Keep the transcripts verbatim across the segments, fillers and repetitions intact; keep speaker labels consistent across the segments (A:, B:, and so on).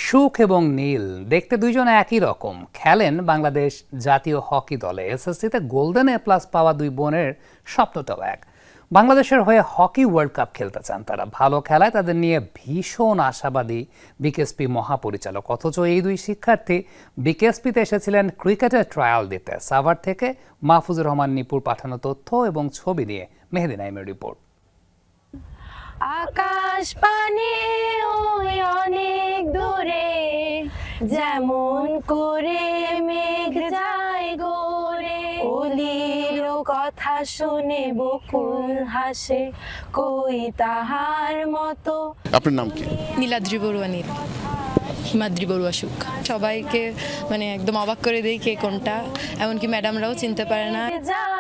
A: সুখ এবং নীল দেখতে দুইজন একই রকম, খেলেন বাংলাদেশ জাতীয় হকি দলে। এসএসসিতে গোল্ডেন এ প্লাস পাওয়া দুই বোনের স্বপ্নটাও এক। বাংলাদেশের হয়ে হকি ওয়ার্ল্ড কাপ খেলতে চান তারা। ভালো খেলায় তাদের নিয়ে ভীষণ আশাবাদী বিকেএসপি মহাপরিচালক। অথচ এই দুই শিক্ষার্থী বিকেএসপিতে এসেছিলেন ক্রিকেটের ট্রায়াল দিতে। সাভার থেকে মাহফুজুর রহমান নিপুর পাঠানো তথ্য এবং ছবি নিয়ে মেহেদি নাইমের রিপোর্ট।
B: আকাশ পানে ওই অনেক দূরে, যেমন করে মেঘ যায় গোরে। অলির কথা শুনে বকুল হাসে, কই তাহার মতো।
C: আপনার নাম কি?
D: নীলাদ্রি বড়ুয়া নীল, হিমাদ্রি বড়ুয়া সুখ। সবাইকে মানে একদম অবাক করে দেই কে কোনটা, এমনকি ম্যাডামরাও চিনতে পারে না।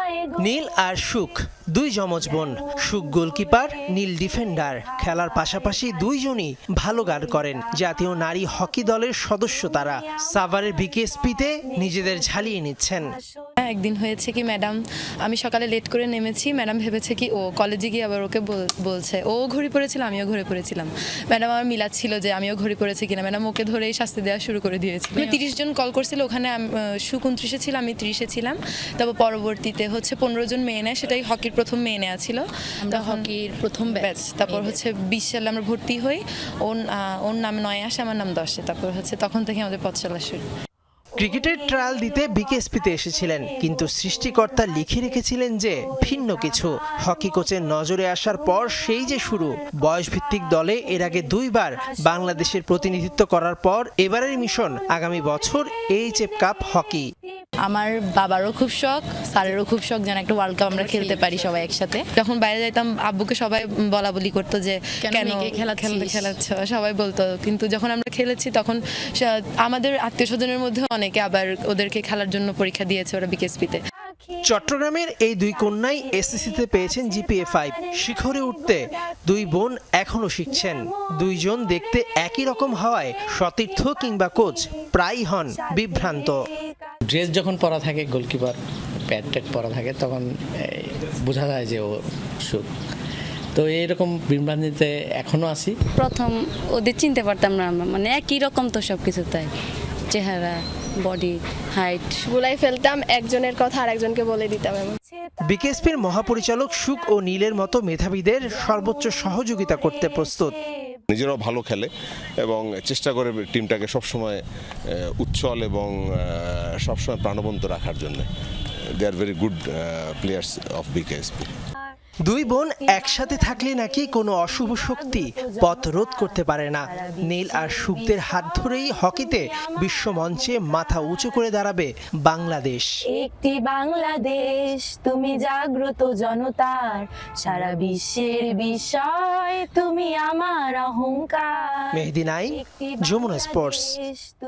E: নীল আর সুখ দুই যমজ বোন। সুখ গোলকিপার, নীল ডিফেন্ডার। খেলার পাশাপাশি দুইজনই ভালো গান করেন। জাতীয় নারী হকি দলের সদস্য তারা। সাভারের বিকেএসপিতে নিজেদের ঝালিয়ে নিচ্ছেন।
D: একদিন হয়েছে কি, ম্যাডাম আমি সকালে লেট করে নেমেছি, ম্যাডাম ভেবেছে কি ও কলেজে গিয়ে আবার ওকে বলছে ও ঘড়ি পড়েছিল, আমিও ঘড়ি পড়েছিলাম। ম্যাডাম আমার মিলাচ্ছিল যে আমিও ঘড়ি পড়েছি কিনা। ম্যাডাম ওকে ধরেই শাস্তি দেওয়া শুরু করে দিয়েছিল। তিরিশ জন কল করছিল, ওখানে সুখ উনত্রিশে ছিল, আমি ত্রিশে ছিলাম। তারপর পরবর্তীতে হচ্ছে পনেরো জন মেয়ে নেয়, সেটাই হকির প্রথম মেয়ে নেওয়া ছিল, হকির প্রথম ব্যাচ। তারপর হচ্ছে বিশ সালে আমরা ভর্তি হই, ওর ওর নাম নয় আসে, আমার নাম দশে। তারপর হচ্ছে তখন থেকে আমাদের পথ চলা শুরু।
E: ক্রিকেটের ট্রায়াল দিতে বিকেএসপিতে এসেছিলেন, কিন্তু সৃষ্টিকর্তা লিখে রেখেছিলেন যে ভিন্ন কিছু। হকি কোচের নজরে আসার পর সেই যে শুরু। বয়সভিত্তিক দলে এর আগে দুইবার বাংলাদেশের প্রতিনিধিত্ব করার পর এবারের মিশন আগামী বছর এইচএফ কাপ হকি।
D: আমার বাবারও খুব শখ, স্যারেরও খুব শখ যেন একটা ওয়ার্ল্ড কাপ আমরা খেলতে পারি সবাই একসাথে। যখন বাইরে যাইতাম আব্বুকে সবাই বলা বলি করতো যে কেন খেলা খেলাচ্ছ, সবাই বলতো। কিন্তু যখন আমরা খেলেছি তখন আমাদের আত্মীয় স্বজনের মধ্যে অনেকে আবার ওদেরকে খেলার জন্য পরীক্ষা দিয়েছে ওরা বিকেএসপিতে।
E: চট্টগ্রামের এই দুই কন্যাই এসএসসিতে পেয়েছেন জিপিএ ফাইভ। শিখরে উঠতে দুই বোন এখনো শিখছেন। দুইজন দেখতে একই রকম হওয়ায় সতীর্থ কিংবা কোচ প্রায়ই হন বিভ্রান্ত।
F: ড্রেস যখন পরা থাকে, গোলকিপার প্যাড ট্যাড পরা থাকে, তখন বোঝা যায় যে ও সুখ। তো এইরকম বিভ্রান্তিতে এখনো আছি।
G: প্রথম ওদের চিনতে পারতাম না, মানে একই রকম তো সব কিছু, তাই চেহারা, বডি, হাইট
B: গুলাই ফেলতাম, একজনের কথা আর একজনকে বলে দিতাম।
E: বিকেএসপির মহাপরিচালক সুখ ও নীলের মতো মেধাবীদের সর্বোচ্চ সহযোগিতা করতে প্রস্তুত।
C: নিজেরাও ভালো খেলে এবং চেষ্টা করে টিমটাকে সবসময় উচ্ছল এবং সবসময় প্রাণবন্ত রাখার জন্য। They are very good players of BKSP.
E: দুই বোন একসাথে থাকলে নাকি কোনো অশুভ শক্তি পথ রোধ করতে পারে না। নীল আর সুখদের হাত ধরেই হকিতে বিশ্ব মঞ্চে মাথা উঁচু করে দাঁড়াবে বাংলাদেশ।
B: একটি বাংলাদেশ, তুমি জাগ্রত জনতার, সারা বিশ্বের বিষয় তুমি আমার অহংকার।
E: মেহেদি নাইম, যমুনা স্পোর্টস।